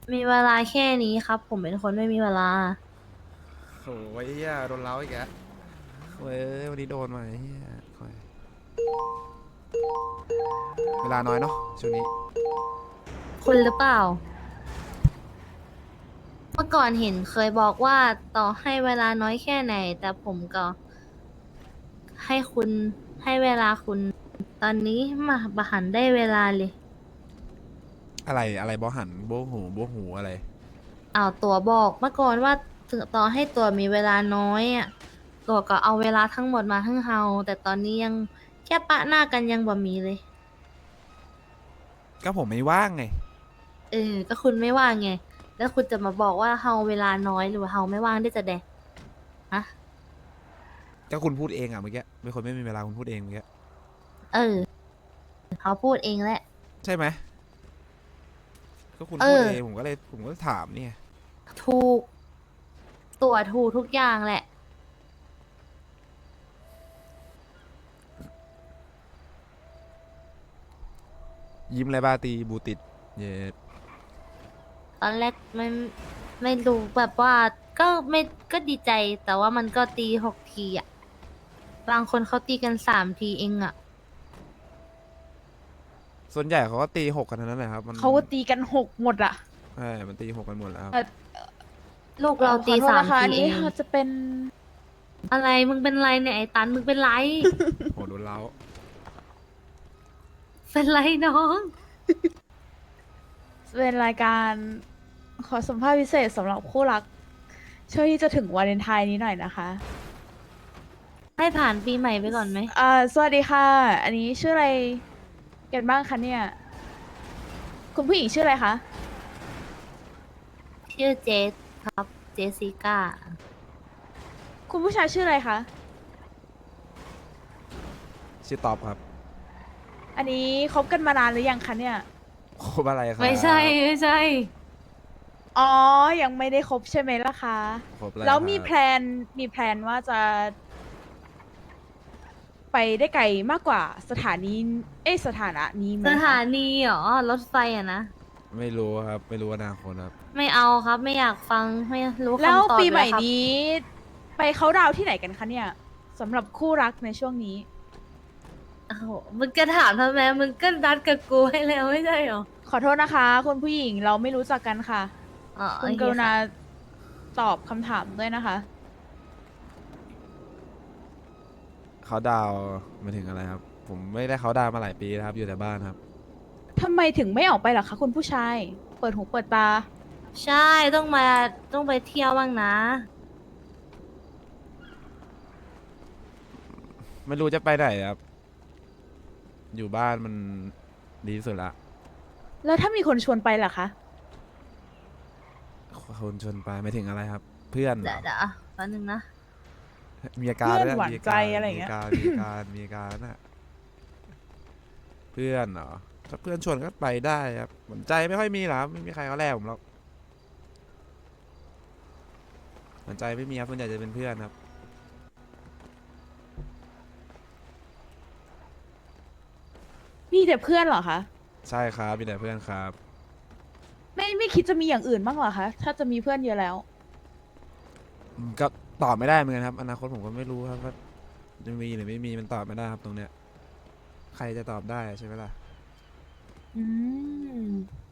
มีเวลาแค่นี้ครับผมเป็นคนไม่มีเวลาโอ้ยเหี้ยโดนเล้าอีกแล้วเว้ยวันนี้โดนมาไอ้เฮียคอยเวลาน้อยเนาะช่วงนี้คุณหรือเปล่าเมื่อก่อนเห็นเคยบอกว่าต่อให้เวลาน้อยแค่ไหนแต่ผมก็ให้คุณให้เวลาคุณตอนนี้มาบหันได้เวลาเลยอะไรอะไรบอหันโบหูโบหูอะไรเอาตัวบอกเมื่อก่อนว่าถึงต่อให้ตัวมีเวลาน้อยอ่ะตัวก็เอาเวลาทั้งหมดมาให้เฮาแต่ตอนนี้ยังแค่ปะหน้ากันยังบ่มีเลยก็ผมไม่ว่างไงเออก็คุณไม่ว่างไงแล้วคุณจะมาบอกว่าเฮาเวลาน้อยหรือว่าเฮาไม่ว่างได้จะแดะฮะก็คุณพูดเองอ่ะเมื่อกี้เป็นคนไม่มีเวลาคุณพูดเองเมื่อกี้เออเขาพูดเองแหละใช่ไหมก็คุณเอพูดอเองผมก็ถามเนี่ยถูกตัวถูกทุกอย่างแหละยิ้มอะไรบ้าตีบูติดเย็ดตอนแรกไม่รู้แบบว่าก็ไม่ก็ดีใจแต่ว่ามันก็ตี6 ทีอ่ะบางคนเขาตีกัน3 ทีเองอ่ะส่วนใหญ่เขาก็ตีหกกันทั้งนั้นแหละครับมันเขาก็ตีกันหกหมดอะใช่มันตีหกกันหมดแล้วครับเอ่อลูกเราขอโทษตีสามนะคะอันนี้ทีเองจะเป็นอะไรมึงเป็นไรเนี่ยไอ้ตันมึงเป็นไรโหโดนเล้าเป็นไรน้องเป็นรายการขอสัมภาษณ์พิเศษสำหรับคู่รักช่วงที่จะถึงวาเลนไทน์นี้หน่อยนะคะให้ผ่านปีใหม่ไปก่อนไหมสวัสดีค่ะ อันนี้ชื่ออะไรกันบ้างคะเนี่ย คุณผู้หญิงชื่ออะไรคะชื่อเจสครับเจสสิก้าคุณผู้ชายชื่ออะไรคะชื่อตอบครับอันนี้คบกันมานานหรือยังคะเนี่ยคบอะไรครัไม่ใช่บไม่ใช่อ๋อ ยังไม่ได้คบใช่ไหมล่ะคะคบอะไรแล้วครับมีแพลนว่าจะไปได้ไกลมากกว่าสถานีสถานะนี้ไหมสถาคะนีเหรอรถไฟอะนะไม่รู้ครับไม่รู้อนาคตครับไม่เอาครับไม่อยากฟังไม่รู้แล้วคำตอบปีใหม่เลยครับนี้ไปเขาน์ดาวน์ที่ไหนกันคะเนี่ยสำหรับคู่รักในช่วงนี้โอ้โหมึงจะถามทำไมมึงก็นัดกับกูให้แล้วไม่ใช่เหรอขอโทษนะคะคุณผู้หญิงเราไม่รู้จักกันค่ะอ๋อโอคุณเคกรุณาค่ะตอบคำถามด้วยนะคะเขาดาวน์มาถึงอะไรครับผมไม่ได้เขาดาวน์มาหลายปีแล้วครับอยู่แต่บ้านครับทำไมถึงไม่ออกไปล่ะคะคุณผู้ชายเปิดหูเปิดตาใช่ต้องมาต้องไปเที่ยวบ้างนะไม่รู้จะไปไหนครับอยู่บ้านมันดีที่สุดละแล้วถ้ามีคนชวนไปล่ะคะคนชวนไปไม่ถึงอะไรครับเพื่อนเหรอเดี๋ยวแป๊บนึงนะมีอาการเพื่อนด้วยหวานใจมีอาการอะไรอย่างเงี้ยมีอาการมีอาการมีอาการน่ะเพื่อนเหรอถ้าเพื่อนชวนก็ไปได้ครับสนใจไม่ค่อยมีหรอครับไม่มีใครเขาแลกผมหรอกสนใจไม่มีครับส่วนใหญ่จะเป็นเพื่อนครับมีแต่เพื่อนเหรอคะใช่ครับมีแต่เพื่อนครับไม่คิดจะมีอย่างอื่นบ้างเหรอคะถ้าจะมีเพื่อนเยอะแล้วก็ตอบไม่ได้เหมือนกันครับอนาคตผมก็ไม่รู้ครับว่าจะมีหรือไม่มีมันตอบไม่ได้ครับตรงเนี้ยใครจะตอบได้ใช่ไหมล่ะอืม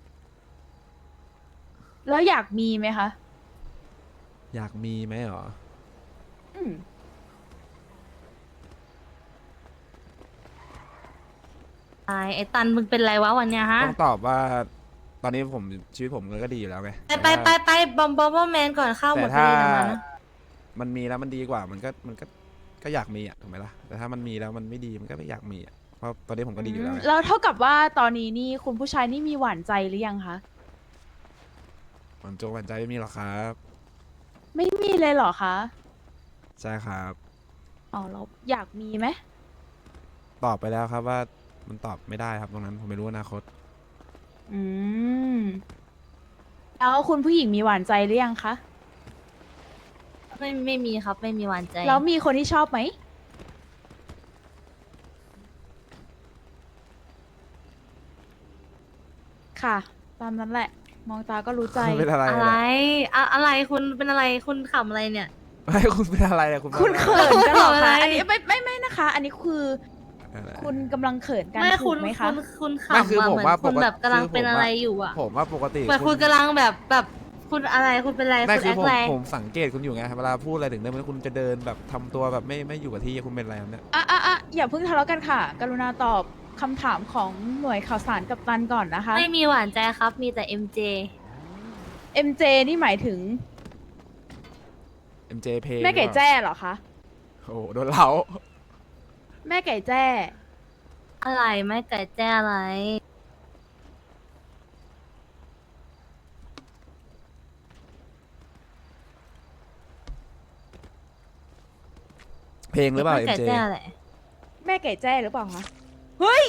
แล้วอยากมีไหมคะอยากมีไหมหรออืมไอ้ตันมึงเป็นไรวะวันเนี้ยฮะต้องตอบว่าตอนนี้ผมชีวิตผมก็ดีอยู่แล้วไงไปบอมแมนก่อนเข้าหมดพอแต่ถ้าดีนะมานะมันมีแล้วมันดีกว่ามันก็อยากมีอ่ะถูกไหมล่ะแต่ถ้ามันมีแล้วมันไม่ดีมันก็ไม่อยากมีอ่ะเพราะตอนนี้ผมก็ดีอยู่แล้วไงแล้วเท่ากับว่าตอนนี้นี่คุณผู้ชายนี่มีหวานใจหรือยังคะหวานใจไม่มีหรอกครับไม่มีเลยเหรอคะใช่ครับอ๋อเราอยากมีไหมตอบไปแล้วครับว่ามันตอบไม่ได้ครับตรงนั้นผมไม่รู้อนาคตอืมแล้วคุณผู้หญิงมีหวานใจหรือยังคะไม่มีครับไม่มีหวานใจแล้วมีคนที่ชอบไหมค่ะตามนั้นแหละมองตาก็รู้ใจคุณเป็นอะไรอะไรเนี่ยอะไรคุณเป็นอะไรคุณขำอะไรเนี่ยไม่คุณเป็นอะไรอะคุณคุณเป็นเขินกันเหรออะไรคะอันนี้ไม่นะคะ อันนี้คืออะไรคุณกำลังเขินกันไม่ถูคุกณไหมคุคะณคุณไม่ขำคืออะผมเหมือนว่าคุณปกติแบบกำลังคือเป็นผมอะไรว่าอยู่อะผมว่าปกติเหมือนคุณกำลังแบบคุณอะไรคุณเป็นอะไรไม่คุณคืแออคผมอะไรผมสังเกตคุณอยู่ไงเวลาพูดอะไรถึงได้ไหมคุณจะเดินแบบทำตัวแบบไม่อยู่กับที่คุณเป็นอะไรครับเนี่ยอย่าเพิ่งทะเลาะกันค่ะ กรุณาตอบคำถามของหน่วยข่าวสารกับตันก่อนนะคะไม่มีหวานใจครับ มีแต่ MJ MJ นี่หมายถึง MJ เพลงแม่ไก่แจ้เหรอคะโอ้โหโดนเล้าแม่ไก่แจ้อะไรไม่ไก่แจ้อะไรเพลงหรือเปล่าไม่ไก่ MJ แจ้อะไรแม่ไก่แจ้หรือเปล่าคะ เฮ้ย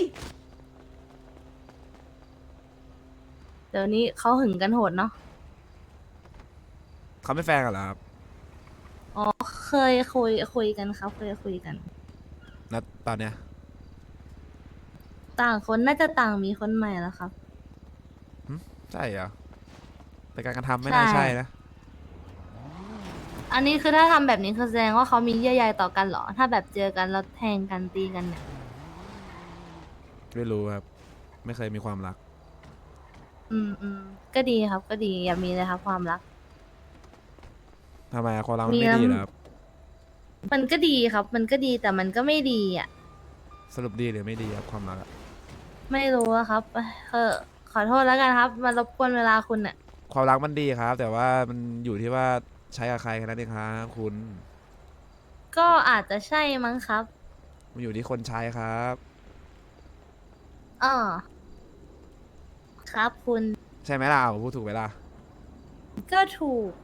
เดี๋ยวนี้เขาหึงกันโหดเนาะเขาไม่แฟนกันเหรอครับอ๋อเคยคุยกันครับเคยคุยกันแล้วตอนเนี้ยต่างคนน่าจะต่างมีคนใหม่แล้วครับใช่เหรอเป็นการกระทำไม่น่าใช่ใช่นะอันนี้คือถ้าทำแบบนี้คือแสดงว่าเขามีเยื่อใยต่อกันเหรอ ถ้าแบบเจอกันแล้วแทงกันตีกันเนี่ยไม่รู้ครับ ไม่เคยมีความรักก็ดีครับ ก็ดีอย่ามีเลยครับ ความรักทำไมอะความรักมันมีไม่แล้วดีเหรอครับมันก็ดีครับ มันก็ดีแต่มันก็ไม่ดีอ่ะสรุปดีหรือไม่ดีครับความรักอะไม่รู้อะครับขอโทษแล้วกันครับ มารบกวนเวลาคุณอ่ะความรักมันดีครับ แต่ว่ามันอยู่ที่ว่าใช้กับใครแค่นั้นเองครับคุณก็อาจจะใช่มั้งครับมันอยู่ที่คนใช้ครับอ๋อครับคุณใช่ไหมล่ะผมพูดถูกไหมล่ะก็ถูก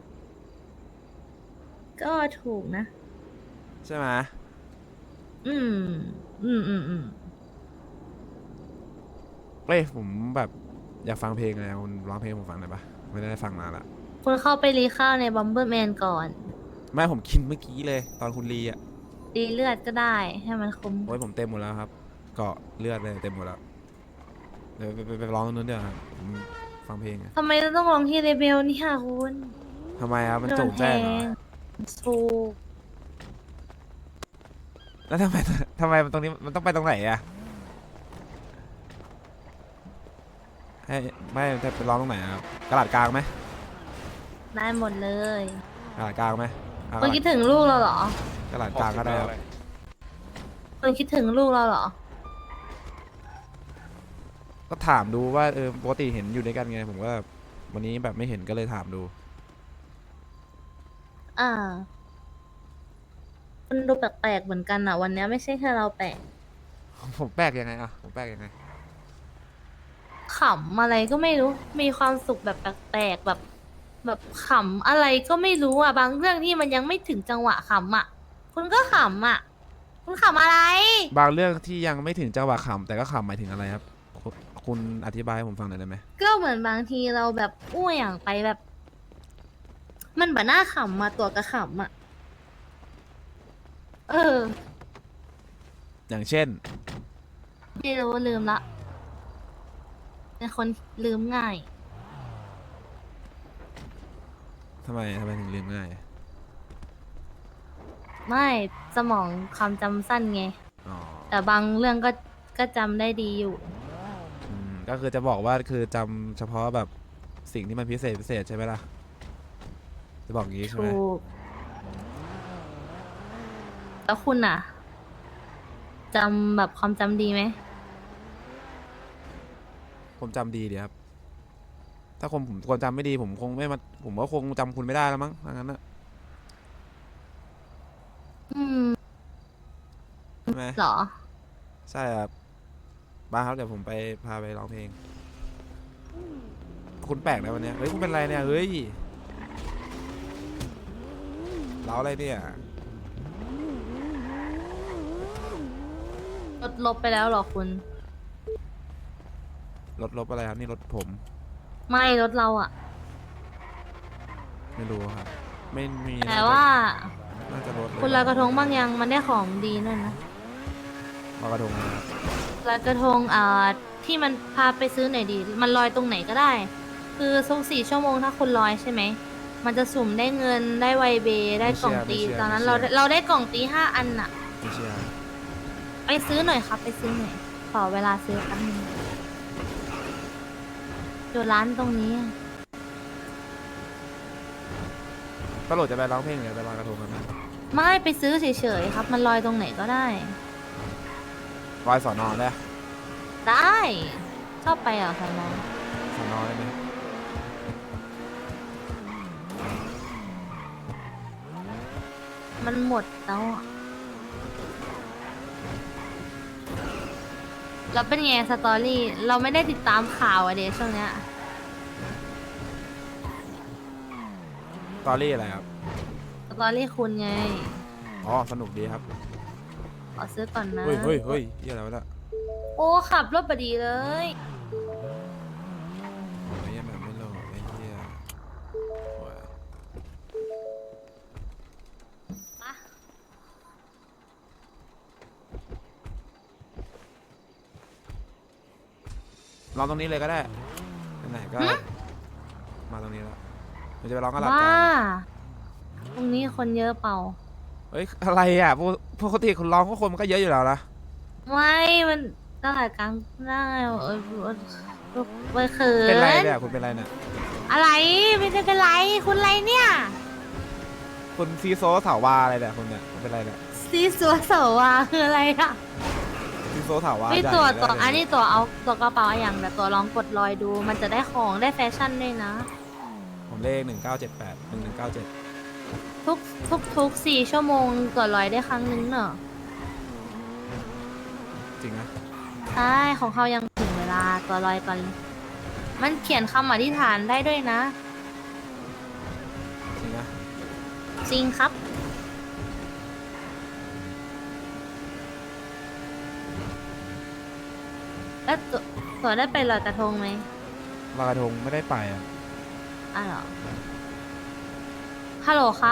ก็ถูกนะใช่ไหมอืม อืมเอ้ยผมแบบอยากฟังเพลงเลยคุณร้องเพลงให้ผมฟังหน่อยปะไม่ได้ฟังนานละคุณเข้าไปรีข้าวในบัมเบอร์แมนก่อนไม่ผมกินเมื่อกี้เลย ตอนคุณรีอ่ะรีเลือดก็ได้ให้มันคมโอ้ยผมเต็มหมดแล้วครับ เกาะเลือดเลยเต็มหมดแล้วเดี๋ยวไปร้องตรงนู้นเดี๋ยวาครับผมฟังเพลงอะทำไมเราต้องลองที่เรเบลเนี่ยคุณทำไมครับมันโดโจนงแทแจ้งเหรองถูกแล้วทำไม ทำไมมันตรงนี้มันต้องไปตรงไหนอะให้ไม่จะไปร้องตรงไหนอะครับกระดาษกลางไหมได้หมดเลยกระดาษกลางไหมเอาคุณคิดถึงลูกเราเหรอกระดาษกลางก็ได้ครับคุณคิดถึงลูกเราเหรอก็ถามดูว่าปกติเห็นอยู่ด้วยกันไง ผมก็วันนี้แบบไม่เห็นก็เลยถามดูอ่าคุณดูแปลกๆเหมือนกันอ่ะ วันนี้ไม่ใช่แค่เราแปลกผมแปลกยังไงอะผมแปลกยังไงขำอะไรก็ไม่รู้ มีความสุขแบบแปลกๆแบบขำอะไรก็ไม่รู้อ่ะ บางเรื่องที่มันยังไม่ถึงจังหวะขำอ่ะ คุณก็ขำอ่ะ คุณขำอะไรบางเรื่องที่ยังไม่ถึงจังหวะขำแต่ก็ขำหมายถึงอะไรครับคุณอธิบายให้ผมฟังหน่อยได้ไหมก็เหมือนบางทีเราแบบอ้วยอย่างไปแบบ มันแบบน่าขำมาตัวกระขำอ่ะ เอออย่างเช่นไม่รู้ลืมละเป็นคนลืมง่ายทำไมถึงลืมง่ายไม่สมองความจำสั้นไงอ๋อแต่บางเรื่องก็จำได้ดีอยู่ก็คือจะบอกว่าคือจำเฉพาะแบบสิ่งที่มันพิเศษใช่ไหมล่ะ จะบอกอย่างนี้ใช่ไหมถูก แล้วคุณอ่ะจำแบบความจำดีไหมผมจำดีดีครับ ถ้าผมคนจำไม่ดีผมคงไม่มาผมก็คงจำคุณไม่ได้แล้วมั้งถ้างั้นนะอืมใช่ไหมเหรอใช่ครับมาครับเดี๋ยวผมไปพาไปร้องเพลง คุณแปลกนะวันเนี้ยเฮ้ยคุณเป็นไรเนี่ยเฮ้ยเล้าอะไรเนี่ยลบไปแล้วเหรอคุณรถอะไรครับนี่รถผมไม่รถเราอ่ะไม่รู้ครับ ไม่มีแต่ว่าน่าจะรถเลยคุณลอยกระทงบ้างยังมันได้ของดีนั่นนะลอยกระทงนะครับลอยกระทงที่มันพาไปซื้อไหนอยดี มันลอยตรงไหนก็ได้คือทุก4 ชั่วโมงถ้าคุณลอยใช่ไหม มันจะสุ่มได้เงินได้ไวเบได้กล่องตี ตอนนั้นเราได้กล่องตี5 อันอะไม่เชื่อไปซื้อหน่อยครับ ไปซื้อหน่อย ขอเวลาซื้อแป๊บนึงอยู่ร้านตรงนี้อะตลกจะไปร้องเพลงหรือไปลอยกระทงกันไหมไม่ไปซื้อเฉยๆครับ มันลอยตรงไหนก็ได้ลอยสอนอได้ได้ ชอบไปเหรอคะน้องสอนอได้ไหมมันหมดแล้วอะแล้วเป็นไงสตอรี่ เราไม่ได้ติดตามข่าวอะเดช่วงเนี้ยตอรี่อะไรครับสตอรี่คุณไงอ๋อสนุกดีครับขอซื้อก่อนนะเฮ้ยเฮ้ยเฮ้ยเหี้ยอะไรวะเนี่ยโอ้ขับรถบดีเลยไอ้เหี้ยแบบไม่โหลดไอ้เหี้ยโอ้ยปะร้องตรงนี้เลยก็ได้ไหนๆก็มาตรงนี้แล้วมันจะไปร้องกันหลับบ้ากันตรงนี้คนเยอะเปล่าเฮ้ยอะไรอ่ะปกติคุณร้องก็คนมันก็เยอะอยู่แล้วนะไม่ มันตลาดกลางได้ไปเขิเป็นไรนเนี่ยคุณเป็นไรเนี่ยอะไรไม่ได้เป็นไร คุณอะไรเนี่ยคุณซีโซเถาวาอะไรเนี่ยคุณเนี่ยคุณเป็นไรเนี่ยซีซัวเสวาคืออะไรอะซีโซเถาวาไม่ใหญ่ตัวได้เลยอันนี้ตัวเอาตัวกระเป๋าอย่างแต่ตัวลองกดลอยดู มันจะได้ของได้แฟชั่นด้วยนะผมเลข1978 1197 ทุก4 ชั่วโมงตัวลอยได้ครั้งนึงเนอะจริงนะใช่ของเขายังถึงเวลาตัวลอยก่อนเลยมันเขียนคำอธิษฐานได้ด้วยนะจริงนะจริงครับ แล้วตัวได้ไปลอยกระทงไหมลอยกระทงไม่ได้ไปอ่ะอ้าวเหรอ ฮัลโหลครับ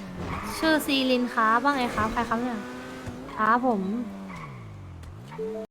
ชื่อซีลินครับว่าไงครับ ใครครับเนี่ยครับผม